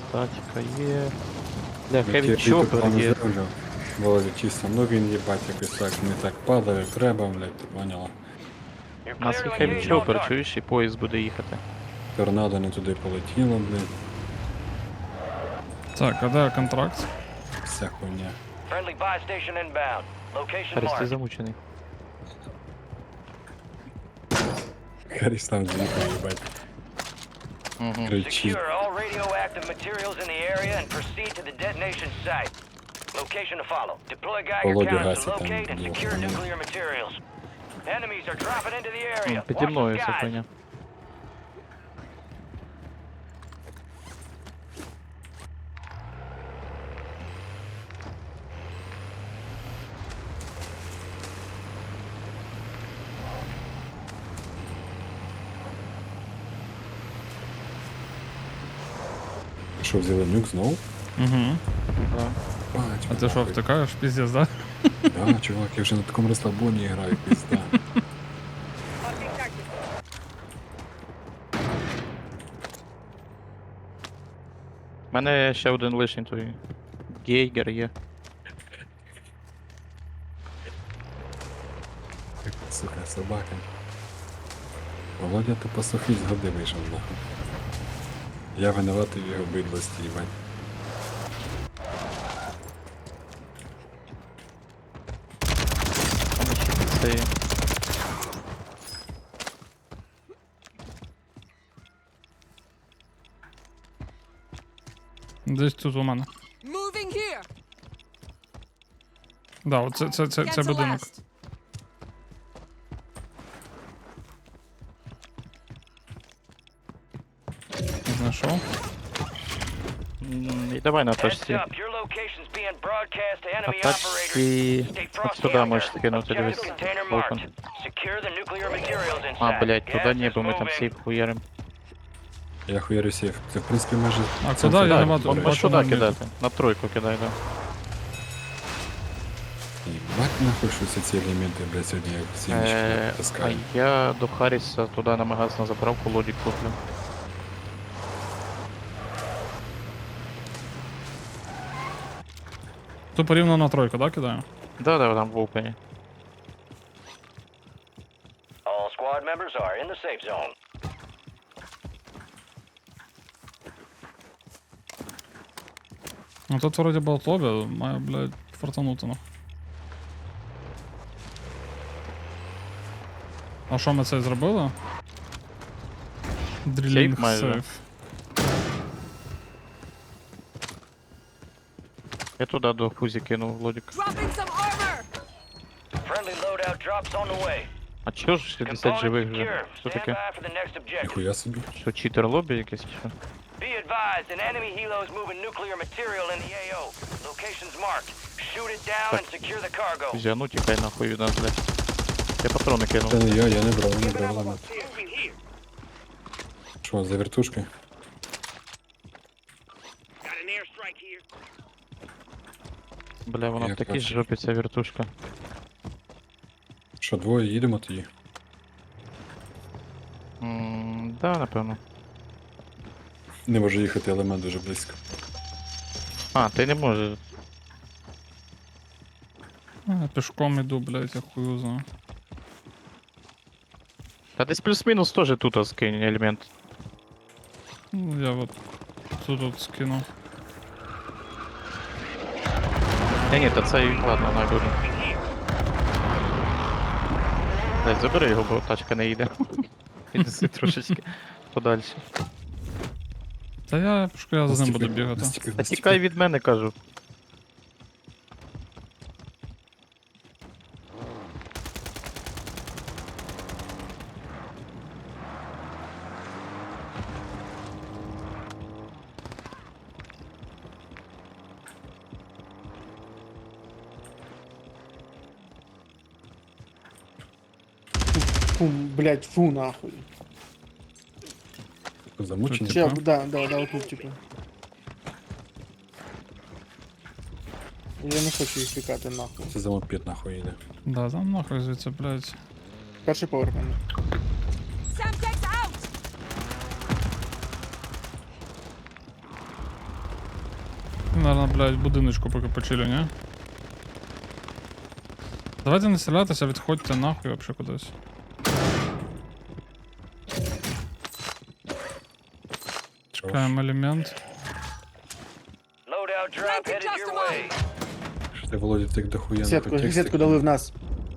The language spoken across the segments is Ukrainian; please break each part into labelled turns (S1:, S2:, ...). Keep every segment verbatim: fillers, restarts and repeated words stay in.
S1: Тачка є. Бля,
S2: Я
S1: хеві
S2: ті
S1: чопер
S2: плани
S1: є.
S2: зроблю. Володя чисто, ну він їбать якось так, не так падає, як треба, блядь, ти поняла.
S1: У нас є хеві чопер, чуєш, і поїзд буде їхати.
S2: Торнадо не туди полетіло, блядь,
S3: Так, а де контракт?
S2: вся хуйня.
S4: Friendly buy station inbound. Location
S1: Харіс, ти
S4: marked.
S1: замучений.
S2: Харіс там з'їхав, їбать.
S1: Угу.
S2: Кричить.
S4: Secure all radioactive materials in the area and proceed to the detonation site. Location to follow. Deploy Geiger
S2: Володя
S4: counters to
S2: гасить там
S4: locate and
S2: було,
S4: secure
S2: по-моєму.
S4: nuclear materials. Enemies are dropping into the area.
S1: Піді
S4: Watch
S1: мною
S4: the
S1: вся
S4: skies.
S1: хуйня.
S2: Що, взяли нюк знову?
S3: Угу.
S1: Да.
S2: Бать,
S3: А ти що,
S2: нахуй.
S3: втикаєш? Піздець, да?
S2: Да, чувак, я вже на такому розслабоні граю, пізда.
S1: У мене ще один лишній той. Гейгер є.
S2: Сука, собака. Володя тупо сухий з годи вийшов, нахуй. Я винуватий в його бидлості, їбать.
S1: Там ще це є.
S3: Десь тут у мене.
S5: Moving here.
S3: Да, оце це, це, це
S5: Cancel
S3: будинок.
S5: last.
S3: Знайшов.
S1: М, І давай на
S4: Heads
S1: тачці.
S4: up. Your location's being broadcast to
S1: На
S4: enemy operators.
S1: тачці...
S4: Stay
S1: От
S4: frosty
S1: сюди
S4: out
S1: можеш
S4: there.
S1: скинути, дивись.
S4: Objective container
S1: Волком.
S4: marked. Secure the nuclear materials inside.
S1: А, блядь,
S4: Gas
S1: туди ні,
S4: is
S1: бо ми там
S4: moving.
S1: сейф хуярим.
S2: Я хуярю сейф. Це, в принципі, майже...
S3: А
S2: це
S3: куди? Я
S2: все
S3: не
S2: так,
S3: бачу.
S2: до
S1: Можеш
S2: речі.
S3: бачу
S1: сюди
S3: на
S1: кидати. На тройку кидай, да.
S2: Їбать нахуй, що всі ці елементи, блядь, сьогодні як
S1: Е,
S2: сімечки
S1: А
S2: таскаю.
S1: я до Харріса туди на магаз на заправку лодік куплю.
S3: Тупо рівно на тройку, да, кидаю?
S1: Да, да, там в опені.
S4: All squad members are in the safe zone.
S3: Ну тут вроді було лобі, має, блядь, фартанути, ну. А що ми це зробили? Дрілінг
S1: майже.
S3: сейф.
S1: Я туди до Фузі кинув лодік.
S5: Dropping some armor.
S4: Friendly loadout drops on the way.
S1: А чого ж шістдесят
S4: Components
S1: живих вже?
S4: secure.
S1: Що
S4: Stand
S1: таке?
S4: by for the next objective.
S2: Ніхуя собі.
S1: Що, читер лобі якесь чи що?
S4: Be advised, an enemy helo is moving nuclear material in the A O. Location's marked. Shoot it down and secure the cargo.
S1: Фузі, а ну тікай нахуй від нас, блядь. Я патрони
S2: Це
S1: кинув.
S2: не я, я не брав, не брав елемент. Що, за вертушки?
S1: Бля, вона
S2: Я
S1: в такій
S2: бачу.
S1: жопі ця вертушка.
S2: Що, двоє їдемо тоді?
S1: Ммм, да, напевно.
S2: Не може їхати елемент дуже близько.
S1: А, ти не можеш.
S3: А, пішком іду, блядь, я хую знаю.
S1: Та десь плюс-мінус теж тут скинь елемент.
S3: Ну, я от тут от скину.
S1: Ні, ні, та це і ладно, найбуде. Блядь, забери його, бо тачка не їде. Віднеси трошечки подальше.
S3: Та я пішку, я за ним буду
S2: Настільки-
S3: бігати.
S2: настільки-
S1: Та тікай від мене, кажу.
S6: Фу, блять, фу нахуй.
S2: Замучені?
S6: Че,
S3: Типа?
S6: да, да, да, вот тут типа. Я не хочу їх пікати нахуй.
S2: Це за мопед нахуй їде.
S3: Да, там нахуй звідси, блядь.
S6: Перший поверх мене.
S5: Semtex out.
S3: Наверно, блядь, в будиночку поки почилю, ні? Давайте не стрілятися, відходьте нахуй вообще кудись. Чекаємо елемент.
S4: Loadout drop
S5: Granted
S4: headed your
S5: customer.
S4: way.
S2: Що ти, Володя, так дохуя
S6: Сітку,
S2: нахуй
S6: сітку дали в нас.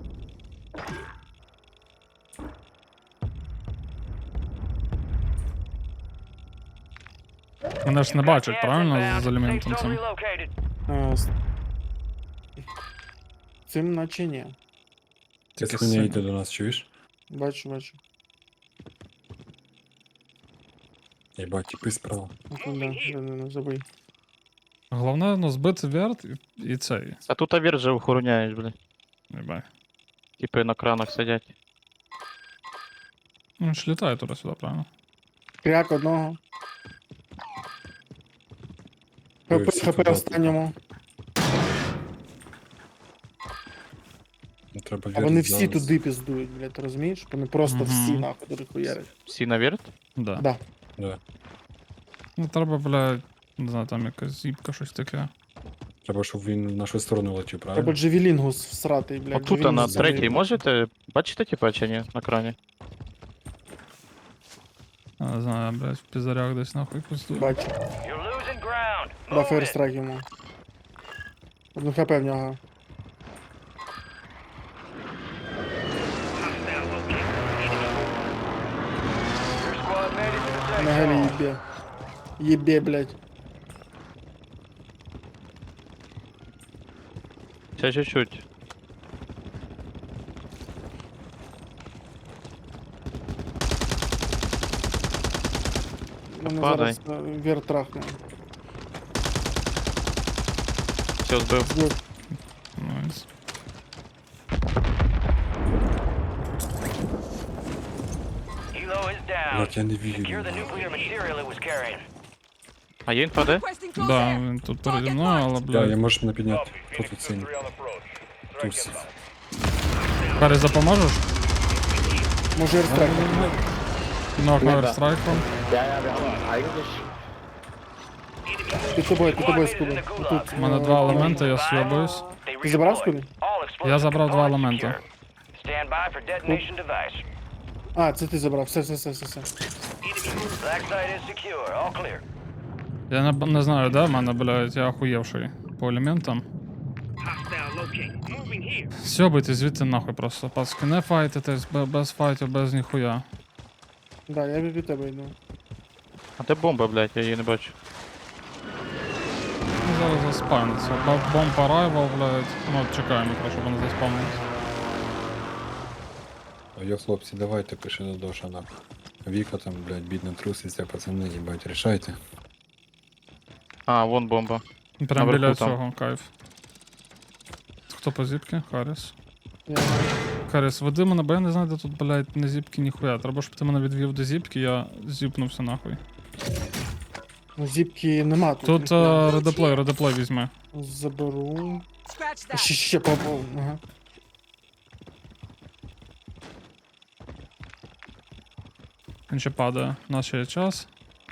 S3: Мене ж не бачать,
S4: Gas
S3: правильно,
S4: inbound.
S3: з
S4: Safe
S3: елементом
S4: zone
S3: цим?
S4: relocated.
S6: А, с- Цим наче ні.
S2: Ти
S3: Тільки
S2: хуйня
S3: син.
S2: йде до нас, чуєш?
S6: Бачу, бачу.
S2: Єбать, тіпи справа.
S6: Ну, да, да, да, да, забий.
S3: Головне, ну, збити верт і, і цей.
S1: А тут авір же охороняєш, блядь.
S3: Єбай.
S1: Типи на кранах сидять.
S3: Ну, він ж літає туди-сюди, правильно?
S6: Кряк одного.
S2: Ой,
S6: ХП,
S2: всі
S6: ХП
S2: туди.
S6: останньому.
S2: Ну, треба
S6: А вони
S2: вірити
S6: всі
S2: зараз.
S6: туди піздують, блядь, ти розумієш? Вони просто
S3: Мгм.
S6: всі нахуй туди хуярять.
S1: Всі на вірт?
S3: Да.
S6: Да.
S2: Да.
S3: Ну, треба, блядь, не знаю, там якась зіпка, щось таке.
S2: Треба, щоб він в нашу сторону летів, правильно?
S6: Треба джевелінгус всратий, блядь.
S1: Отут а на
S6: джевелінгус
S1: третій
S6: забий.
S1: можете? Бачите типа чи ні? На крані?
S3: Я не знаю, блядь, в пізарях десь нахуй пустую.
S6: Бачу.
S4: You're losing ground.
S6: Да,
S4: Move it.
S6: фейерстрайк йому. Одну хп в нього.
S4: Your squad made it to the safe
S6: На гелі
S4: zone.
S6: їбе. Їбе, блядь.
S1: Ще чуть-чуть.
S6: Мене
S1: Падай.
S6: зараз е, вір трахне.
S1: Все збив.
S6: Збив.
S3: Найс.
S4: Helo is down.
S2: Блядь, я не вірю.
S4: Secure the nuclear material it was carrying.
S1: А є інфа де?
S5: Requesting close
S3: Да,
S5: air.
S3: він тут переді
S5: Target
S3: мною, але,
S5: marked.
S2: Да, я
S3: блядь.
S2: можеш мене підняти. Хто тут синій? Тусів.
S3: Карі, запоможеш?
S6: Може аерстрайк.
S3: Ног на аерстрайком.
S6: Під тобою, під тобою
S4: Squad
S6: скуби.
S4: leaders in the gulag.
S6: Отут.
S3: У мене
S6: е,
S3: два
S6: е,
S3: елементи, я
S4: Five.
S3: сйобуюсь.
S4: They
S6: Ти забрав
S4: redeployed.
S6: скуби?
S4: All explosive
S3: Я забрав два
S4: components
S3: елементи.
S4: secure. Stand by for detonation device.
S6: А, це ти забрав. Все, все, все, все, все.
S4: Black site is secure. All clear.
S3: Я не, не знаю, де в мене, блядь, я охуєвший по елементам. Сьобуйте звідти нахуй просто. Пацки, не файтитесь, бе- без файтів, без ніхуя.
S6: Да, я від тебе йду.
S1: А де бомба, блядь, я її не бачу.
S3: Ну, зараз заспавниться. Б- Бомб arrival, блядь. Ну, от чекаємо, якраз, щоб вони заспавнились.
S2: Йо, хлопці, давайте пиши до Доша нахуй. Віка там, блядь, бідна труситься, пацани, їбать, рішайте.
S1: А, вон бомба.
S3: Прям
S1: Наверху
S3: біля
S1: там.
S3: цього, кайф. Хто по зіпки? Харріс.
S6: Я...
S3: Харріс, веди мене, бо я не знаю, де тут, блядь, не зіпки ніхуя. Треба, щоб ти мене відвів до зіпки, я зіпнувся нахуй.
S6: Ну, зіпки нема тут.
S3: Тут
S6: ніхуя.
S3: е, редеплей, редеплей візьми.
S6: Заберу.
S5: Scratch
S6: Ще,
S5: that.
S6: ще попав. Ага.
S3: Він ще падає. У нас ще є час.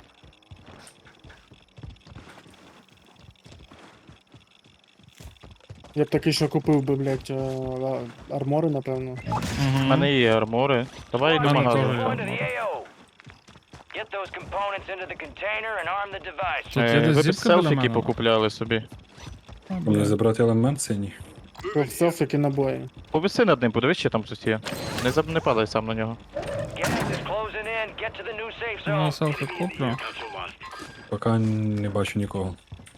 S6: Я б такий, що купив би, блядь, е, а- армори, напевно.
S1: У
S3: Угу.
S1: мене є армори. Давай
S3: Мене
S1: до
S3: теж
S1: магазину.
S3: є.
S4: Go into the A O. Get those components into the container and arm the device.
S3: Тут є
S1: Е,
S3: десь
S1: Ви б
S3: зіпка біля
S1: селфіки
S3: мене?
S1: покупляли собі.
S3: А,
S2: Мені
S3: блядь.
S2: забрати елемент синій.
S6: Селфіки набої.
S1: Повиси над ним, подивись, чи там хтось є. Не, заб- не падай сам на нього.
S4: Gas is closing in. Get to the new safe
S3: Ну,
S4: zone.
S3: селфі куплю.
S2: Поки не бачу нікого.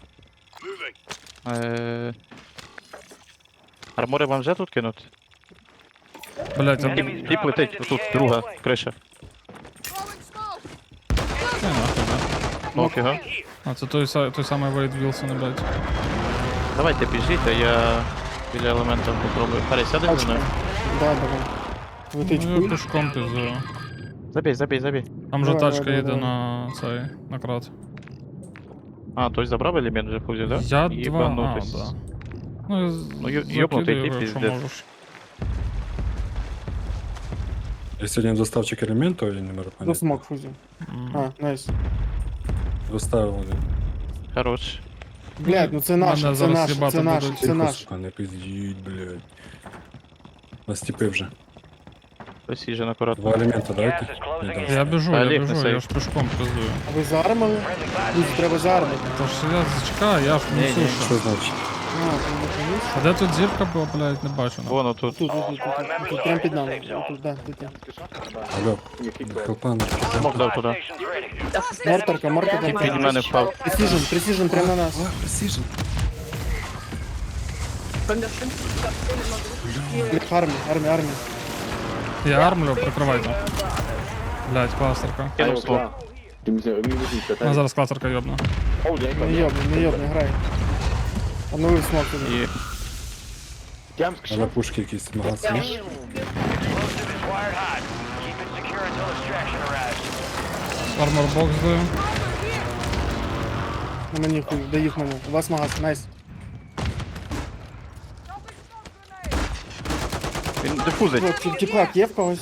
S1: Е... Армори вам вже тут кинуть?
S3: Блядь, а
S4: Enemy-
S1: Тіп, тіп летить, отут, друга, криша.
S5: Throwing smoke.
S3: Ти нахуй, да?
S1: Ну, га.
S3: А це той, са- той самий Вейд Вілсон, блядь.
S1: Давайте біжіть, а я біля елемента попробую. Харі, сяди зі
S6: Тачка.
S1: мною.
S6: Да, давай. Летить
S3: Ну, я
S6: хуй.
S3: пішком пізую.
S1: Забій, забій, забій.
S3: Там же
S6: Давай,
S3: тачка
S6: давай,
S3: їде
S6: давай.
S3: на цей, на крат.
S1: А, той забрав елемент вже фузі, да?
S3: Я два, а,
S1: Єбанутись.
S3: да. Ну, я
S1: Ну, ю- йобнутий
S3: закидую
S1: тип,
S3: його, якщо
S1: піздець.
S3: можеш.
S2: Я сьогодні доставчик елементу, я не можу
S6: Ну,
S2: поняти.
S6: смок фузі.
S3: М.
S6: А, найс.
S2: Доставив один.
S1: Хорош.
S6: Блядь, ну це
S3: Мене
S6: наш, це
S3: зараз
S6: наш,
S3: їбати
S6: це наш,
S3: будуть.
S6: це
S2: Тихо,
S6: наш.
S2: сука, не пиздіть, блядь. Нас тіпи вже.
S1: Посіжен акуратно.
S2: Два елемента
S4: Gas
S2: дайте.
S4: is closing
S2: Не
S4: in.
S2: дасть.
S3: Я біжу,
S1: Та,
S3: я
S1: ліг
S3: біжу,
S1: на
S3: я
S1: сейф.
S3: ж пішком пиздую.
S6: А ви заармили?
S4: Friendly flash
S6: Друзі, треба заармити.
S3: Тож я зачекаю, я ж
S1: Ні,
S3: несу
S1: ні.
S3: ще.
S2: Що значить?
S6: А, ти не поміж?
S3: А де тут зірка була, блядь, не бачу. ну.
S1: Вон отут.
S6: Тут, тут, тут, тут, тут, прям під нами. Тут, да, тут, тут.
S2: Алло, хелпан.
S1: Смок дав
S4: Supply
S1: туди.
S4: stations ready.
S6: Морторка, морторка.
S1: Тіп від мене впав.
S6: Пресіжен, пресіжен прямо на нас.
S2: О, пресіжен.
S6: Армія, армія, армія.
S3: Я армлю, прикривайте. Блядь, кластерка.
S1: Кинув смок.
S3: А зараз кластерка йобна.
S6: Не йобни, не йобни, грай. Обновив смок туди.
S1: І
S2: А на пушки якісь магазин.
S4: Explosive is wired hot. Keep it secure until extraction arrives.
S3: Арморбокс даю.
S6: На мені хуй, даїв мене. У вас магаз, найс.
S1: він дифузить.
S6: О, ті- Тіплак є в когось?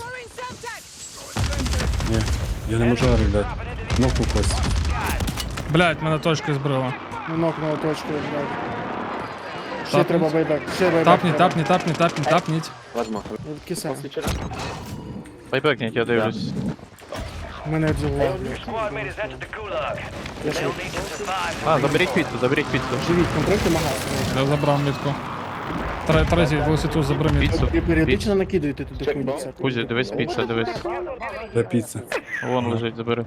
S2: Ні, я не можу армі, блядь. Кнопку когось.
S3: Блядь, мене точки збрила.
S6: Ну, нокнула точку, блядь. Ще
S3: Тапніть.
S6: треба байбек, ще байбек.
S3: Тапніть,
S6: треба.
S3: тапніть, тапніть, тапніть, тапніть.
S6: Киса.
S1: Байбекніть, я дивлюсь.
S6: Мене дзюгла.
S4: Your squad mate has entered the gulag.
S6: Я ще
S4: They'll need to survive.
S1: А, заберіть піцу, заберіть піцу.
S6: живіть, контракти магаз.
S3: Я забрав мітку. Тре- Третій велосипед забери мітку.
S1: Піцу.
S6: Ви періодично накидуєте туди хуйню всяку.
S1: Кузя, дивись піца, дивись.
S2: Де піца?
S1: Вон лежить, забери.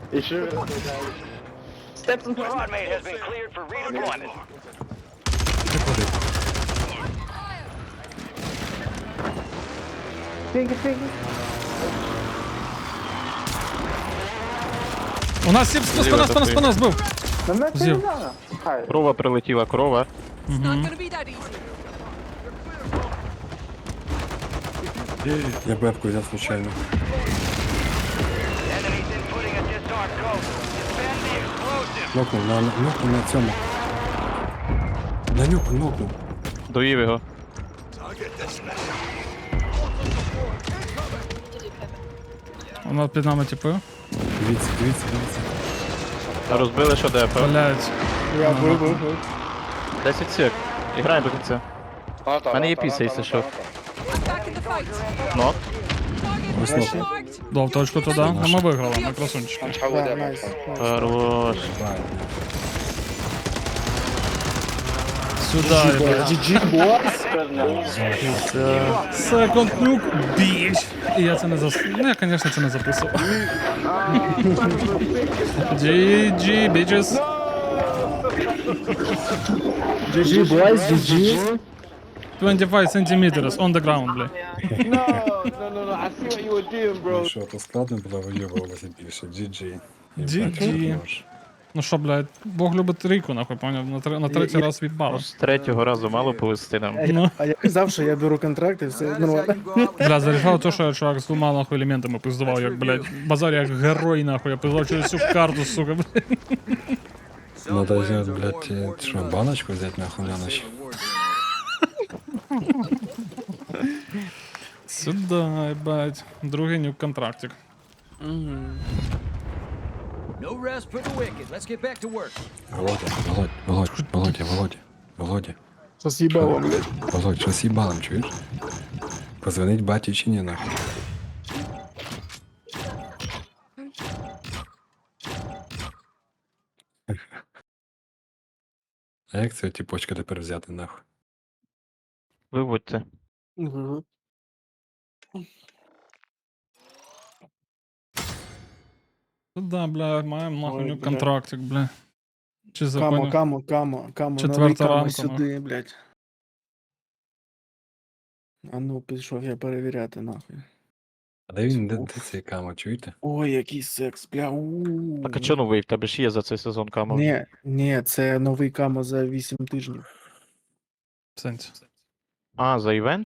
S4: Squad mate has been cleared for redeployment.
S3: У нас сіп, спина, спина, спина, збив. Зів.
S1: Корова прилетіла, корова.
S5: Not gonna be that easy.
S2: Я бебку взяв случайно.
S4: Enemies inputting a disarmed code. Defend the explosive.
S2: Нокнув, на, нокнув на цьому. На нюку нокнув.
S1: Доїв його.
S3: Вона під нами типу.
S2: Дивіться, дивіться, дивіться.
S1: Розбили що ДП.
S3: Блядь.
S6: Я бив, бив, бив.
S1: десять сек. І граємо до кінця. У мене є піца, якщо що.
S5: Back in the fight.
S1: Нок.
S2: Ось
S5: Target
S2: нокнув.
S5: marked.
S3: Дав точку туди. Ну ми виграли, ми красунчики.
S6: Да, найс. найс.
S1: Хорош.
S3: Сюди, блядь.
S6: джі джі, бос.
S3: Секунд нюк, біч. І я це не зас... Ну, я, звісно, це не записував. джі джі, bitches.
S6: джі джі, бойс, джі джі.
S3: двадцять п'ять сантиметрів on the ground, блядь.
S2: Ну що, то складно було вийобувалося більше. джі джі.
S3: джі джі. Ну що, блядь, Бог любить ріку, нахуй, поняв? На, тр... на третій раз відбало.
S1: З третього разу мало повести нам.
S3: Ну.
S6: А я казав, що я беру контракти, все нормально.
S3: Бля, зарішав то, що я чувак з двома нахуй елементами пиздував, як, блядь, базар як герой, нахуй, я пиздував через всю карту, сука, блядь.
S2: Надо взять, блядь, е, що, баночку взять нахуй на ночь.
S3: Сюда, ебать. Другий нюк контрактик.
S7: No rest for the wicked. Let's get back to work.
S2: Володя, Володь, Володь, Володя, Володя, Володя.
S6: Що з'їбало, блядь.
S2: Володь, що з їбалом, чуєш? Позвонить баті чи ні, нахуй? А як цього тіпочка тепер взяти, нахуй?
S1: Виводьте.
S6: Мгм.
S3: Сюда, бля, маємо нахуй
S6: Ой,
S3: нюк
S6: бля.
S3: контрактик, бля. Чи
S6: Камо,
S3: законно?
S6: камо, камо, камо,
S3: Четверта
S6: новий камо
S3: ранку,
S6: сюди, блядь. А ну, пішов я перевіряти, нахуй.
S2: А де він, де, де цей камо, чуєте?
S6: Ой, який секс, бля, ууу.
S1: Так а чо новий? В тебе ж є за цей сезон камо.
S6: Ні, ні, це новий камо за вісім тижнів.
S3: В сенсі.
S1: А, за івент?